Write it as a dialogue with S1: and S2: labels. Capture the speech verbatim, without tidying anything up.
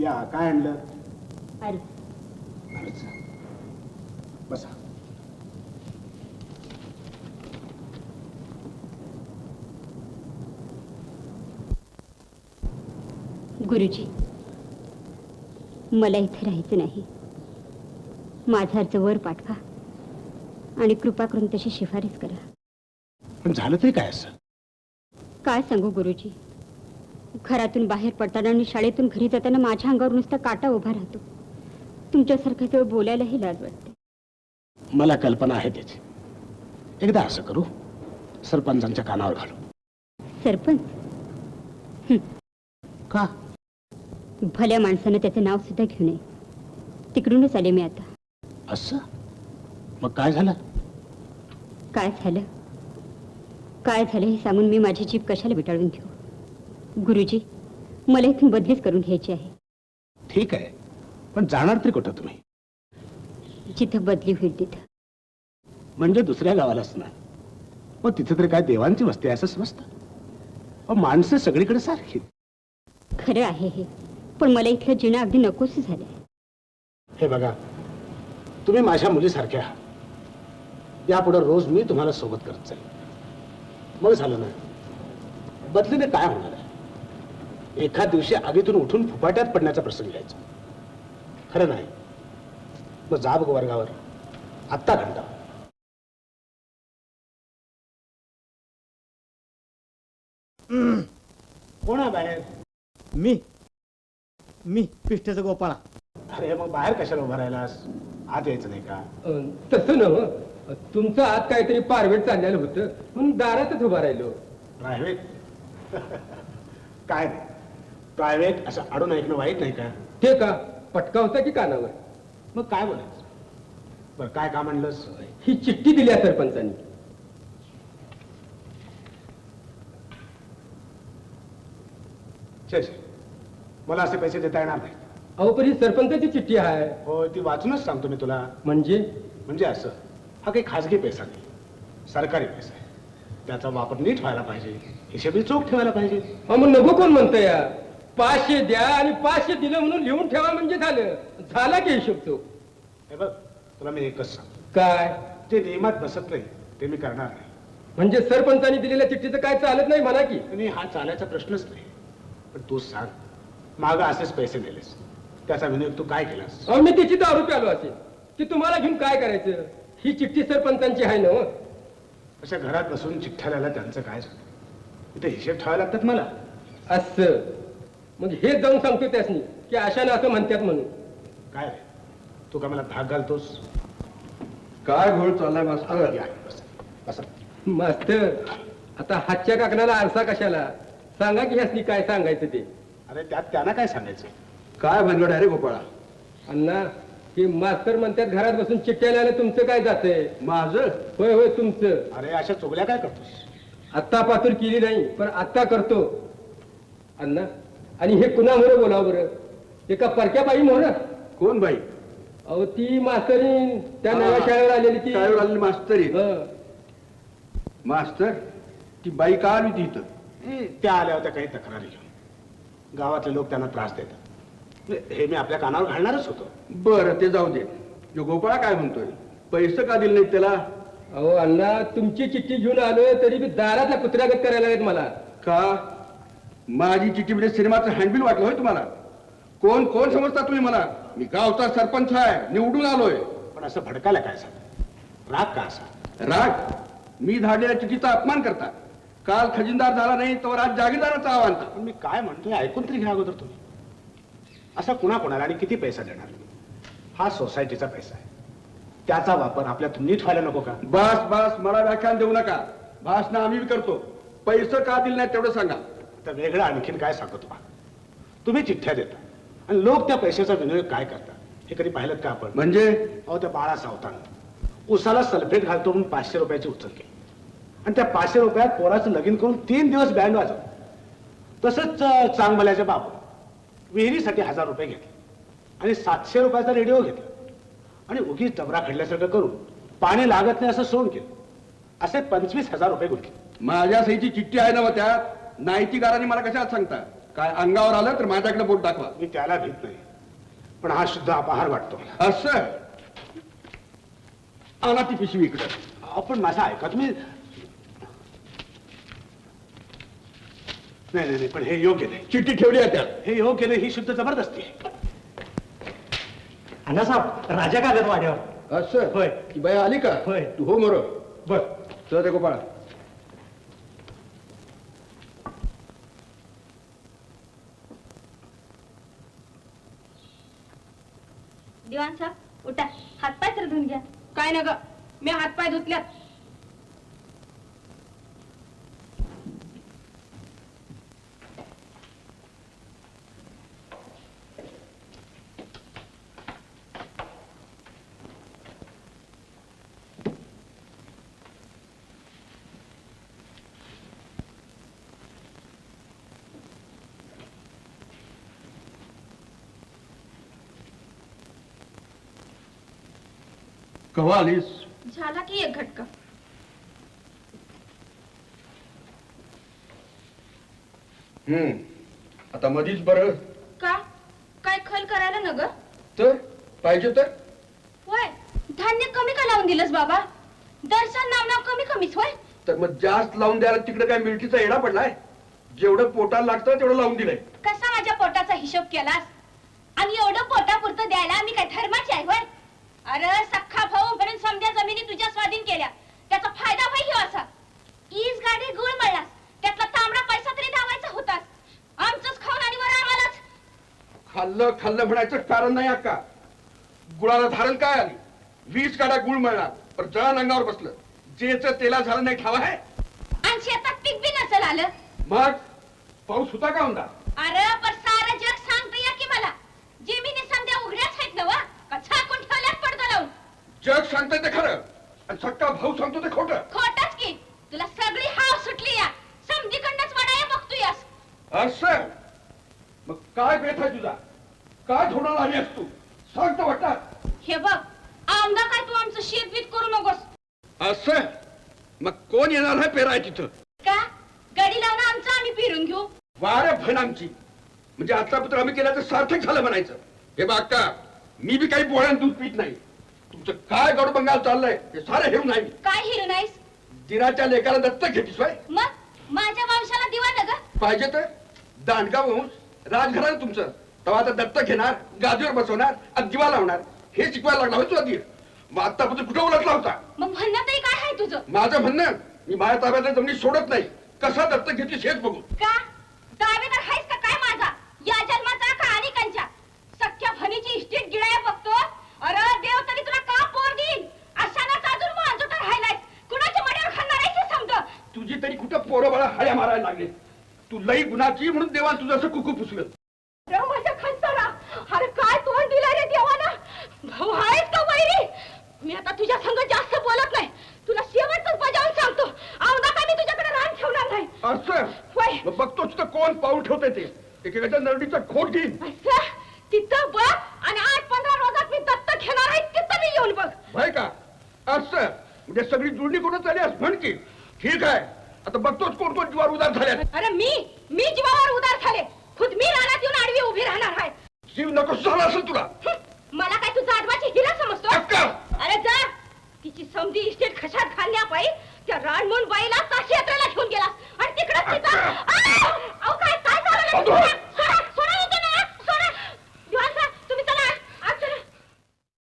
S1: या काय आणलं?
S2: अर्ज.
S1: अर्ज. बसा.
S2: गुरुजी, मला इथे राहायचं नाही. माझा अर्ज वर पाठवा आणि कृपा करून तशी शिफारस करा.
S1: पण झालं तरी काय असं?
S2: काय सांगू गुरुजी, घरातून बाहेर पडताना आणि शाळेतून घरी जाताना माझ्या अंगावर नुसता काटा उभा राहतो. तुमच्यासारखं जवळ बोलायलाही लाज वाटते.
S1: मला कल्पना आहे त्याची. एकदा असं करू, सरपंचांच्या कानावर घालू.
S2: सरपंच?
S1: का?
S2: भल्या माणसानं त्याचं नाव सुद्धा घेऊ नये. तिकडूनच आले मी आता.
S1: असं? मग काय झालं?
S2: काय झालं काय झालं हे सांगून मी माझी जीभ कशाला विटाळून घेऊ? गुरुजी, मला इथून बदलीच करून घ्यायची आहे.
S1: ठीक आहे, पण जाणार तरी कुठं तुम्ही?
S2: जिथं बदली होईल तिथं.
S1: म्हणजे दुसऱ्या गावालाच ना? मग तिथे तरी काय देवांची वस्ती आहे असं समजतं? माणसं सगळीकडे सारखी.
S2: खरं आहे हे, पण मला इथलं जिणं अगदी नकोस झालंय.
S1: हे बघा, तुम्ही माझ्या मुलीसारख्या आहात. यापुढे रोज मी तुम्हाला सोबत करत जाईल. मग झालं ना, बदलीने काय होणार आहे? एखाद दिवशी आगीतून उठून फुफाट्यात पडण्याचा प्रसंग घ्यायचा. खरं नाही? मग जा बघ वर्गावर, आत्ता घंटा. कोण आहे बाहेर?
S3: मी मी पिष्टाचा गोपाळा.
S1: अरे मग बाहेर कशाला उभा राहिलास? आत यायचं नाही का?
S4: तसं नव, तुमचं आत काहीतरी पारवेट चाललेलं होतं म्हणून दारातच उभा राहिलो.
S1: प्रायव्हेट? काय प्रायव्हेट असं अडून ऐकणं वाईट नाही का?
S4: ते का पटका होता की कानावर?
S1: मग काय बोलायचं? बरं काय का म्हणलंस?
S4: ही चिठ्ठी दिली आहे सरपंचांनी.
S1: छे छे, मला असे पैसे देता येणार नाही.
S4: अहो पण ही सरपंचाची चिठ्ठी आहे.
S1: हो, ती वाचूनच सांगतो मी तुला.
S4: म्हणजे
S1: म्हणजे असं, हा काही खाजगी पैसा नाही, सरकारी पैसा आहे. त्याचा वापर नीट व्हायला पाहिजे, हिशेबी चोख ठेवायला पाहिजे.
S4: अहो मग नको कोण म्हणतं या? पाचशे द्या आणि पाचशे दिलं म्हणून लिहून ठेवा म्हणजे झालं. झाला की हिशोब चोख.
S1: हे बघ, तुला मी एकच सांगतो,
S4: काय
S1: जे नियमात बसत नाही ते मी करणार नाही.
S4: म्हणजे सरपंचांनी दिलेल्या चिठ्ठीचं काय चालत नाही म्हणा की?
S1: आणि हा चालायचा प्रश्नच नाही. पण तू सांग, मागं असेच पैसे दिलेस, त्याचा विनियोग तू काय केलास?
S4: अहो मी तिची दारू प्यालो असेल की तुम्हाला घेऊन काय करायचं? ही चिठ्ठी सरपंचांची आहे ना.
S1: अशा घरात बसून चिठ्ठ्या लिहायला त्यांचं काय झालं? इथे हिशेब ठेवायला लागतात मला.
S4: असं मग हे जाऊन सांगतो त्यासनी की अशाने असं म्हणतात म्हणून.
S1: काय रे, तू का मला धाक घालतोस?
S4: काय घोळ चाललाय मास्तर?
S1: या, बस, बस.
S4: मास्तर, आता हातच्या काकणाला आरसा कशाला? सांगा की ह्यासनी काय सांगायचं ते.
S1: अरे त्यात त्यांना काय सांगायचं?
S4: काय भानगड आहे रे गोपाळा? अण्णा, हे मास्तर म्हणतात घरात बसून चिठ्ठ्या लिहायला तुमचं काय जातंय? माझं? होय होय तुमचं.
S1: अरे अशा चुगल्या काय करतोस?
S4: आत्ता पातूर केली नाही पण आत्ता करतो. अण्णा, आणि हे कुणा मोर बोलाव बरं? एका परक्या बाई मोर?
S5: कोण बाई?
S4: अहो ती मास्तरीन त्या नव्या शाळेवर आलेली ती.
S5: शाळेवर आलेली मास्तरी?
S4: हं.
S5: मास्तर, ती बाई का आली ती इथं?
S1: ए, त्या आल्या होत्या काही तक्रारी घेऊन. गावातले लोक त्यांना त्रास देतात. हे मी आपल्या कानावर घालणारच होतो.
S5: बरं, ते जाऊ दे. जो गोपाळा काय म्हणतोय, पैसे का दिले नाहीत त्याला?
S4: अहो अण्णा, तुमची चिठ्ठी घेऊन आलोय तरी बी दारातल्या कुत्र्यागत करायला लागेल मला.
S5: का? माझी चिठ्ठी म्हणजे सिनेमाचं हँडबिल वाटलं होय तुम्हाला? कोण कोण समजता तुम्ही मला? मी गावचा सरपंच आहे, निवडून आलोय.
S1: पण असं भडकायला काय सांग? राग का असा?
S5: राग? मी धाडलेल्या चिठ्ठीचा अपमान करता. काल खजिनदार झाला नाही तर आज जागीरदाराचा आव्हान.
S1: पण मी काय म्हणतोय ऐकून तरी घ्या अगोदर तुम्ही. असा कुणा कोणाला आणि किती पैसा देणार? हा सोसायटीचा पैसा आहे, त्याचा वापर आपल्यातून नीट व्हायला नको का?
S5: बस बस, मला व्याख्यान देऊ नका. भाषण आम्ही करतो. पैसे का दिले नाहीत तेवढं सांगा.
S1: तर वेगळं आणखीन काय सांगतो बा? तुम्ही चिठ्ठ्या देता आणि लोक त्या पैशाचा विनियोग काय करतात हे कधी पाहिलं का आपण?
S5: म्हणजे? अहो,
S1: त्या बाळा सावतानं उसाला सल्फेट घालतो म्हणून पाचशे रुपयाची उचल केली आणि त्या पाचशे रुपयात पोराचं लगीन करून तीन दिवस बँड वाजव. तसंच चांगभल्याच्या बाबू विहिरीसाठी हजार रुपये घेतले आणि सातशे रुपयाचा रेडिओ घेतला आणि उगीच डबरा खडल्यासारखं करून पाणी लागत नाही असं सोन केलं. असे पंचवीस हजार रुपये गुंतले.
S5: माझ्या सहीची चिठ्ठी आहे ना त्यात? नाईतीगारांनी मला कशात सांगता? काय अंगावर आलं तर माझ्याकडे बोट दाखवा.
S1: मी त्याला भीत नाही, पण हा शुद्ध अपहार वाटतो मला.
S5: असं आणा ती पिशवी इकडे.
S1: आपण माझं ऐका तुम्ही. नाही नाही नाही, पण हे योग्य नाही.
S5: चिठ्ठी ठेवली आहे त्यात.
S1: हे योग्य नाही, ही शुद्ध जबरदस्ती आहे.
S3: अण्णासाहेब राजा का आल्यात वाड्यावर?
S5: असं
S3: होय.
S5: ती बाई आली का?
S3: होय.
S5: तू हो मरो.
S3: बर.
S5: चल रे गोपाळा.
S2: दिवाण साहेब उठा, हातपाय तर धुवून घ्या.
S6: काय ना ग, मी हातपाय धुतल्यात.
S5: कवा आलीस?
S6: झाला की एक घटका.
S5: हम्म आता मधीच बरं.
S6: का काय खल करायला न ग?
S5: तर पाहिजे तर
S6: होय, धान्य कमी का लावून दिलंस बाबा? दर्शन नाव नाव कमी कमीच होय.
S5: तर मग जास्त लावून द्यायला तिकडे काय मिळतीचा येडा पडलाय? जेवढं पोटाला लागतं तेवढं लावून दिलंय.
S6: कसा माझ्या पोटाचा हिशोब केलास? आणि एवढं पोटापुरतं द्यायला मी काय धर्माची आहे होय? अरे सख्खा भाऊ म्हणून समध्या जमिनी तुझ्या स्वाधीन केल्या, त्याचा फायदा होई ह्यो असा. ईज गाडी गुळ मळलास, त्यातला तांबडा पैसा तरी दावायचा होतास. आमचंच खाऊन आणि वर आम्हालाच.
S5: खाल्लं खाल्लं म्हणायचं कारण नाही अक्का. गुळाला धारण काय आली? वीस काड्या गुळ मिळणार पण जळण अंगावर बसलं. जेच तेला झालं नाही ठाव आहे.
S6: आणि शेतात पीक बी नसेल आलं.
S5: मग पाऊस होता का म्हणता?
S6: अरे पण सारं जग सांगते या की मला, जमिनी समध्या उघड्याच आहेत ना वा, का झाकून ठेवल्यात पडदा लावून?
S5: जग सांगतंय ते खरं आणि सक्का भाऊ सांगतो ते खोटं.
S6: खोटच की, तुला सगळी हाव सुटली या. समधीकडनंच वडाया बघतोयस.
S5: असं मग काय बेत आहे तुझा? काय थोडं आली आहेस तू? सांगतो वाटतात.
S6: हे बघ, आमदा काय तू आमचं शेतबीत करू नकोस.
S5: असं मग कोण येणार आहे पेराय तिथं?
S6: का गडी लावून आमचं आम्ही फिरून घेऊ?
S5: वारे भन आमची. म्हणजे आतापत्र आम्ही केल्याचं सार्थक झालं म्हणायचं. हे बघ अक्का, मी बी काही पोळ्यान दूध पित नाही. तुमचं काय गडबंगाल चाललंय हे सारं हेऊ नाही.
S6: काय हिरू नाहीस?
S5: दिराच्या लेकाला दत्तक घेतीस बाय.
S6: मग माझ्या वंशाला दिवा न ग.
S5: पाहिजे तर दांडगा वंश राजघराणं तुमचं. तेव्हा आता दत्तक घेणार, गादीवर बसवणार आणि दिवा लावणार हे शिकवायला लागला होय तुला दीर. मग आतापर्यंत कुठं उलटला होता?
S6: मग म्हणणं तरी काय आहे तुझं?
S5: माझं म्हणणं, मी माझ्या ताब्यातल्या जमिनी सोडत नाही. कसा दत्तक घेतलीस हेच बघू.
S6: का दावेदार आहेस का काय माझा? या जन्माचा का अनेकांच्या? सख्या भनीची इस्टेट गिळाया बघतो. अरे देव तरी तुला का पोर देईन? अशानाच अजून मांजोटा राहिलाय. कुणाच्या मड्यावर खाणार आहेस हे समज.
S5: तुझी तरी कुठं पोरं बाळा हळ्या मारायला लागले. तू लई गुणाची म्हणून देवान तुझं असं कुकू पुसलं.
S6: अरे माझ्या खंचाला, अरे काय तोंड दिलं रे देवानं? भाऊ आहेस का वैरी? मी आता तुझ्या संग जास्त बोलत नाही. तुला शेवटच बजावून सांगतो, औंधा काय मी तुझ्याकडे रान ठेवणार नाही.
S5: असं
S6: होय.
S5: मग बघतो तिथं कोण पाऊल ठेवतंय ते. एकेकाच्या नरडीचा खोट घेईन.
S6: असं तिथं बघ आणि आठ पंधरा रोजात मी दत्तक घेणार आहे तिथं मी येऊन बघ.
S5: भाई का? असं म्हणजे सगळी जुळणी कोण झाली असं म्हण की. ठीक आहे, आता बघतोच कोण कोण जीवावर उदार झाल्या.
S6: अरे मी मी जीवावर उदार झाले. खुद मी रानात येऊन आडवी उभी राहणार आहे.
S5: जीव नको झाला असेल तुला.
S6: हं, मला काय तू जाडवाची हिरा समजतो?
S5: अक्का!
S6: अरे जा, तिची समधी इस्टेट खशात घालण्यापायी त्या रानमोहन बाईला